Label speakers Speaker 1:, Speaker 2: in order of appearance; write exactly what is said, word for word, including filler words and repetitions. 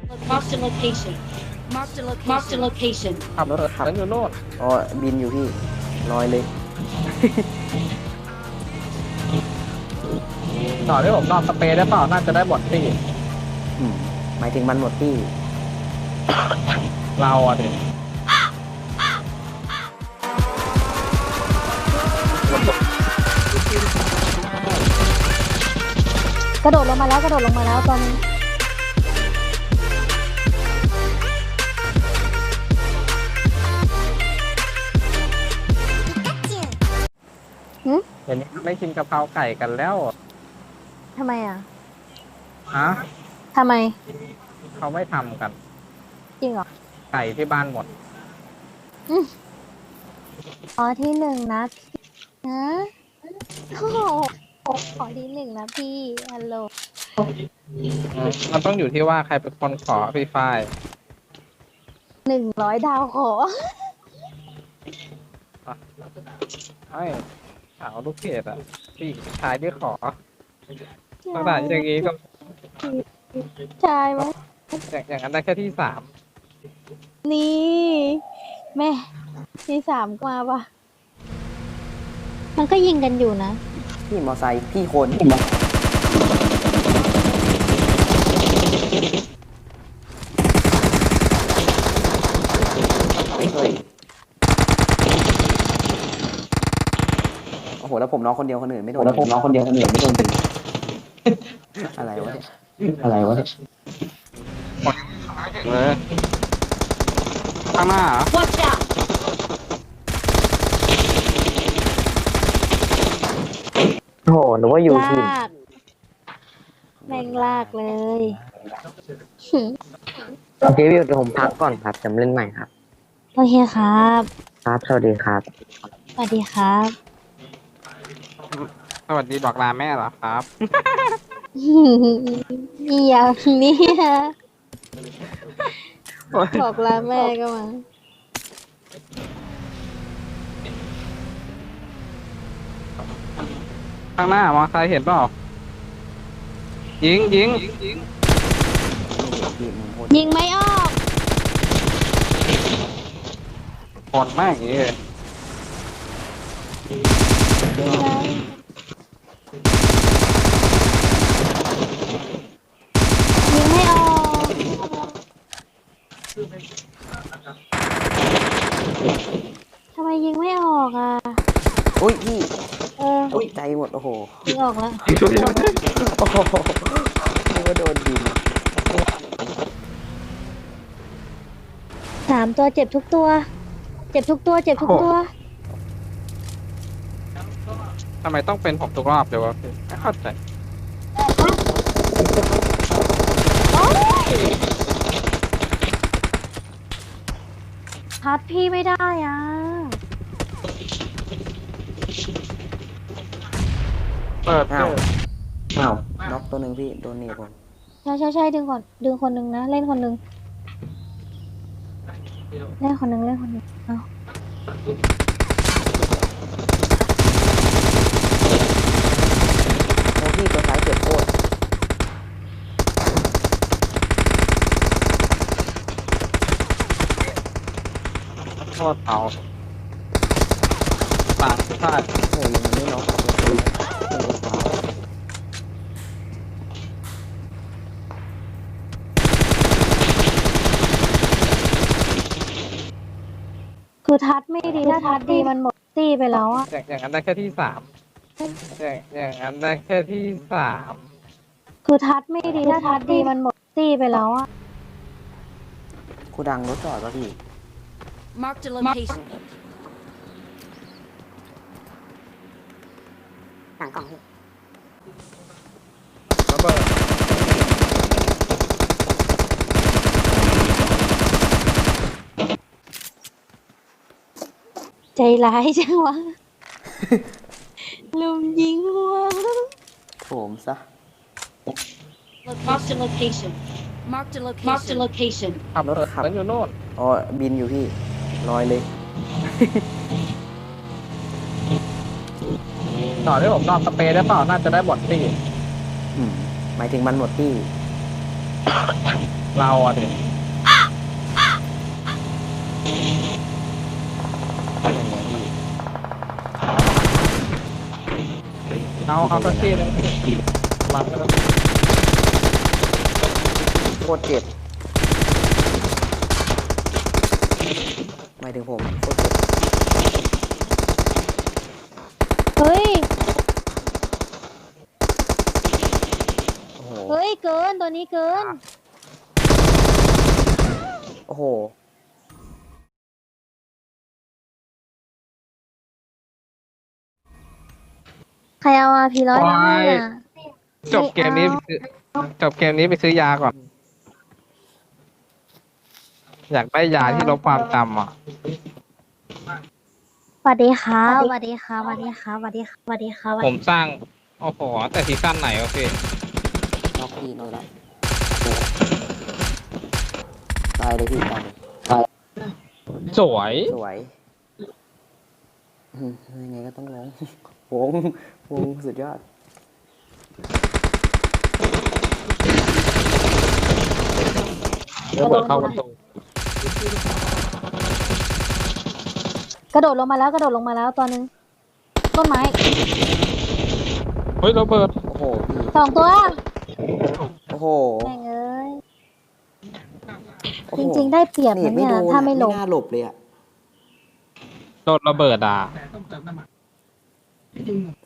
Speaker 1: Marked a location. Marked a location. Marked a location.
Speaker 2: ขับรถขับรถอยู่โน่น
Speaker 3: อ๋อบินอยู่พี่ลอยเลย
Speaker 2: ต่อที่ผมนอนสเปรย์ได้เปล่าน่าจะได้บอดตี้
Speaker 3: อืมหมายถึงมันหมดที่
Speaker 2: เราอ่ะดิ
Speaker 4: กระโดดลงมาแล้วกระโดดลงมาแล้วตอนนี้หืม
Speaker 2: เดี๋ยวนี้ไม่กินกะเพราไก่กันแล้ว
Speaker 4: ทำไมอ่ะ
Speaker 2: ฮะ
Speaker 4: ทำไม
Speaker 2: เขาไม่ทำกัน
Speaker 4: จริงเหรอ
Speaker 2: ไก่ที่บ้านหมด
Speaker 4: อืมอ๋อที่หนึ่งนะนะโอ้โหขอที่หนึ่งนะพี่ฮัลโหล
Speaker 2: มันต้องอยู่ที่ว่าใครเป็นคนขอพี่ฝ้าย
Speaker 4: หนึ่งร้อยดาวขอ
Speaker 2: ไอ้สาวลูกเกดอ่ะพี่ชายที่ขอตั้งแต่อย่างนี้ก็
Speaker 4: ใช่ไหม
Speaker 2: อย่างอย่างนั้นได้แค่ที่สาม
Speaker 4: นี่แม่ที่สามกว่าปะมันก็ยิงกันอยู่นะ
Speaker 3: พี่มอไซค์พี่คน โอ้โหแล้วผมน้องคนเดียวคนอื่นไม่โดนแล้วผมน้องคนเดียวคนอื่นไม่โดนอะไรวะเนี่ยอะไรวะเนี่ย
Speaker 2: เลยข้างหน้าเหรอ
Speaker 1: Watch out.
Speaker 3: โอ้โหหนูว่าอยู่ที่
Speaker 4: ลากแม่งลากเลย
Speaker 3: โอเคพี่เดี๋ยวผมพักก่อนครับจะเล่นใหม่ครับ
Speaker 4: โอเคครับ
Speaker 3: ครับสวัสดีครับ
Speaker 4: สวัสดีครับ
Speaker 2: สวัสดีบอกลาแม่เหรอครับ
Speaker 4: อีอย่างเนี้ยบอกลาแม่ก็มา
Speaker 2: ข้างหน้ามองใครเห็นเปล่ายิงยิง
Speaker 4: ยิงไม่ออก
Speaker 2: หดมากอย่างนี้เลย
Speaker 4: ยิงไม่ออกทำไมยิงไม่ออกอ่ะ
Speaker 3: อุ้ยพี่
Speaker 4: เออ
Speaker 3: ตกใจหมดโอ้โห
Speaker 4: ยิงออกแล้ว
Speaker 3: โอ้โหนึกว่าโดนยิง
Speaker 4: สามตัวเจ็บทุกตัว เจ็บทุกตัว เจ็บทุกตัว
Speaker 2: ทำไมต้องเป็นผมทุกรอบเลยวะพี่ไม่เข้าใจ
Speaker 4: พัดพี่ไม่ได้อ่ะ
Speaker 2: เปิด
Speaker 3: อ้าว
Speaker 2: เถอะ
Speaker 3: อ้าวน็อกตัวหนึ่งพี่โดนหนีบผม
Speaker 4: ใช่ใช่ใช่ดึงก่อน ดึงคนหนึ่งนะ เล่นคนหนึ่งเล่นคนหนึ่งเล่นคนหนึ่งเอา
Speaker 3: โอ้พี่ตัวซ้ายเจ็บโคตร
Speaker 2: โทษเอาต่างชาติ
Speaker 3: โอ้ยยังไม่น็อก
Speaker 4: คือทัดไม่ดี ถ้าทัดดีมันหมดตีไปแล้วอ่ะ
Speaker 2: อย่างอย่างนั้นได้แค่ที่สามอย่างอย่างนั้นได้แค่ที่สาม
Speaker 4: คือทัดไม่ดี ถ้าทัดดีมันหมดตีไปแล้วอ่ะ
Speaker 3: ครูดังรถจอดป่ะพี่
Speaker 1: Marked a location.
Speaker 3: หลังกล่องพี่
Speaker 2: ระเบิด
Speaker 4: ใจร้ายจังวะ ลุมยิงหัว
Speaker 3: โถมซะ
Speaker 1: Marked a location. Marked a location. Marked a location.
Speaker 2: ขับรถขับรถอยู่โน่น
Speaker 3: อ๋อบินอยู่พี่ลอยเลย
Speaker 2: ต่อที่ผมนอนสเปรย์ได้เปล่าน่าจะได้บอดตี้
Speaker 3: อืมหมายถึงมันหมดที่
Speaker 2: เราอ่ะเด็ก
Speaker 3: เป็นไงพี่
Speaker 2: เอาเอาสักทีเลยมา
Speaker 3: โคตรเจ็บหมายถึงผมโคตรเจ็บ
Speaker 4: เฮ้ย
Speaker 3: โอ้โห
Speaker 4: เฮ้ย เกิน ตัวนี้เกิน
Speaker 3: โอ้โห
Speaker 4: ใครเอาอาพีร้อยมาให้อ่ะ
Speaker 2: จบเกมนี้ไปซื้อจบเกมนี้ไปซื้อยาก่อน อยากได้ยาที่ลบความจำอ่ะ
Speaker 4: สวัสดีครับสวัสดีครับสวัสดีครับสวัสดีครับสวัสดีครับ
Speaker 2: ผมสร้าง โอ้โห แต่ซีซั่นไหนโอเค
Speaker 3: นอกพี่นอกแล้วตายเลยพี่ตายเลย
Speaker 2: สวย
Speaker 3: สวยอืมยังไงก็ต้องร้องวงวงสุดยอด
Speaker 2: ระเบิดเข้าประตู
Speaker 4: กระโดดลงมาแล้วกระโดดลงมาแล้วตัวหนึงต้นไม้
Speaker 2: เฮ้ยระเบิด
Speaker 3: โอ้โหพี่
Speaker 4: สองตัว
Speaker 3: โอ้โห
Speaker 4: แม่งเอ้ย
Speaker 3: โอ้
Speaker 4: จ
Speaker 3: โห
Speaker 4: ริงๆได้เปรียบ
Speaker 3: เน็
Speaker 4: นะ
Speaker 3: ตไม่
Speaker 4: เนี่ย
Speaker 3: โดน
Speaker 4: ถ้าไม่ลง
Speaker 3: ไม่น่าหลบเลยอ่ะ
Speaker 2: โดนระเบิดอ่ะ